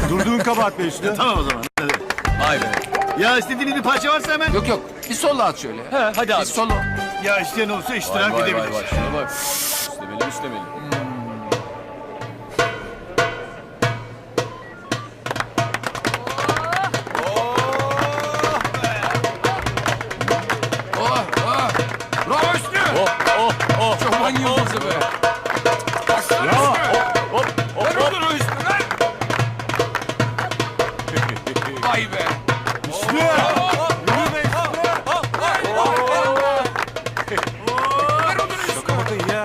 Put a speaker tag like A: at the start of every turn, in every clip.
A: Durduğun kabahat be Hüsnü.
B: Tamam o zaman. Hadi.
C: Vay be.
B: Ya istediğin bir parça varsa hemen.
D: Yok yok. Bir solo at şöyle.
C: He, hadi abi.
D: Bir solo.
B: Ya isteyen olursa iştirak
C: Vay
B: edebilir.
C: vay vay. Şuna bak. İstemeli istemeli.
D: Oh oh. Bravo Hüsnü. Çoban yıldızı be. Bravo. Ver onu Hüsnü ver. Vay be.
A: Hüsnü!
D: Ver onu Hüsnü.
A: Bakın ya.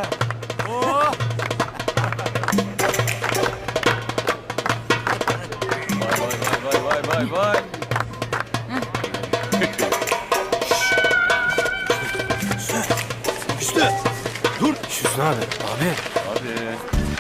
C: Vay vay vay.
B: Hüsnü. Dur.
A: Hüsnü abi. Abi.
C: Hadi.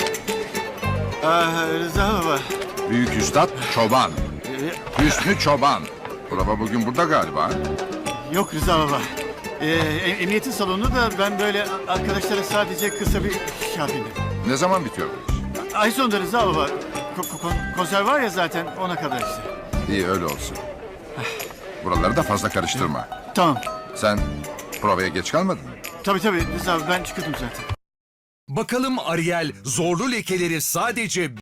B: Rıza baba.
E: Büyük Üstad Çoban. Hüsnü Çoban. Prova bugün burada galiba.
B: Yok Rıza baba. Emniyetin salonu da ben böyle arkadaşlara sadece kısa bir şey yapayım dedim.
E: Ne zaman bitiyor bu iş?
B: Ay sonunda Rıza baba. Konser var ya zaten ona kadar işte.
E: İyi öyle olsun. Buraları da fazla karıştırma.
B: Tamam.
E: Sen provaya geç kalmadın mı?
B: Tabii Rıza abi ben çıkıyordum zaten.
F: Bakalım Ariel zorlu lekeleri sadece